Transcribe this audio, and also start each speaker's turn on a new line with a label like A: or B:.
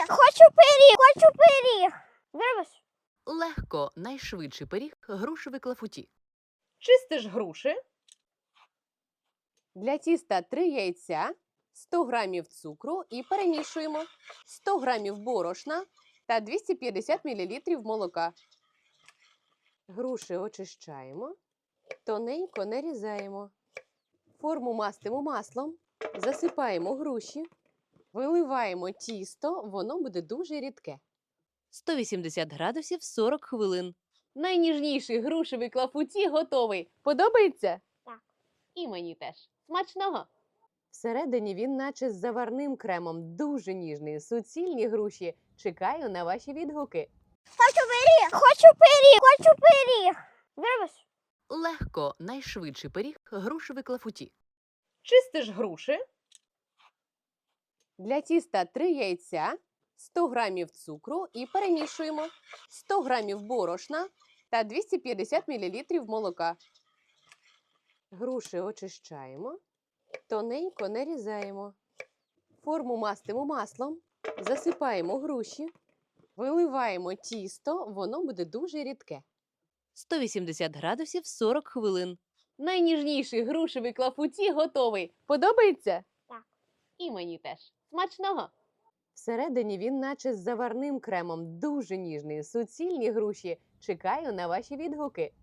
A: Хочу пиріг. Зробиш?
B: Легко найшвидший пиріг грушевий клафуті.
C: Чистиш груші. Для тіста 3 яйця, 100 грамів цукру і перемішуємо 100 грамів борошна та 250 мл молока. Груші очищаємо, тоненько нарізаємо. Форму мастимо маслом, засипаємо груші, виливаємо тісто, воно буде дуже рідке. 180 градусів 40 хвилин. Найніжніший грушевий клафуті готовий. Подобається?
A: Так.
C: І мені теж. Смачного! Всередині він наче з заварним кремом. Дуже ніжний. Суцільні груші. Чекаю на ваші відгуки.
A: Хочу пиріг. Зробиш?
B: Легко найшвидший пиріг грушевий клафуті.
C: Чистиш груші. Для тіста 3 яйця, 100 грамів цукру і перемішуємо 100 грамів борошна та 250 мл молока. Груші очищаємо, тоненько нарізаємо. Форму мастимо маслом, засипаємо груші, виливаємо тісто, воно буде дуже рідке. 180 градусів 40 хвилин. Найніжніший грушевий клафуті готовий. Подобається?
A: Так.
C: І мені теж. Смачного! Всередині він наче з заварним кремом. Дуже ніжний. Суцільні груші. Чекаю на ваші відгуки.